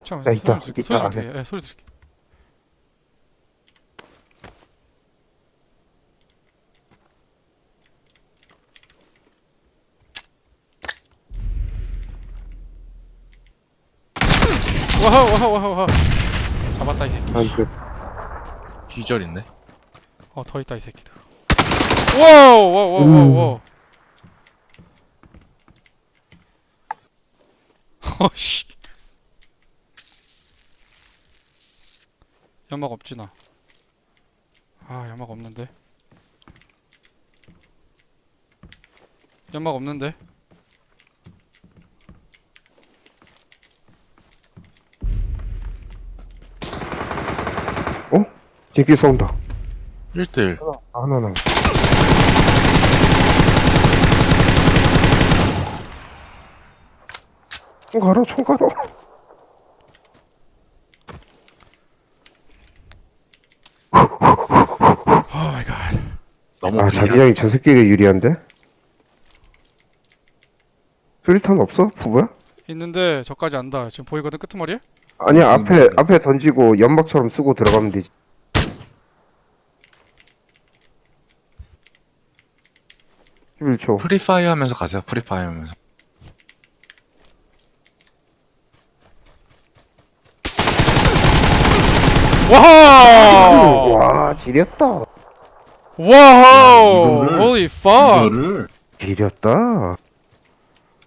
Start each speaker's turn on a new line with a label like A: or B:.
A: 잠깐만,
B: 있다.
A: 소리 들을게.
B: 있다.
A: 소리 들을게. 예, 소리 들을게. 와하 와하 와하 와하. 잡았다 이 새끼.
B: 그
C: 기절 있네.
A: 더 있다 이 새끼들. 와우 와우 와우 와우 와우. 어씨. 연막 없지 나. 아 연막 없는데. 연막 없는데.
B: 제끼 쏜다.
C: 1대1.
B: 하나는. 총 가라, 총 가라.
A: 오 마이 갓.
C: 너무
B: 아,
C: 불리한.
B: 자기장이 저 새끼가 유리한데? 수리탄 없어? 부부야?
A: 있는데 저까지 안다. 지금 보이거든 끄트머리에?
B: 아니야, 앞에 던지고 연막처럼 쓰고 들어가면 되지. (11초)
C: 프리파이어 하면서 가세요. 프리파이어 하면서.
A: 와우!
B: 와, 지렸다.
A: 와우!
D: 이거를-
A: Holy fuck!
D: 이거를
B: 지렸다.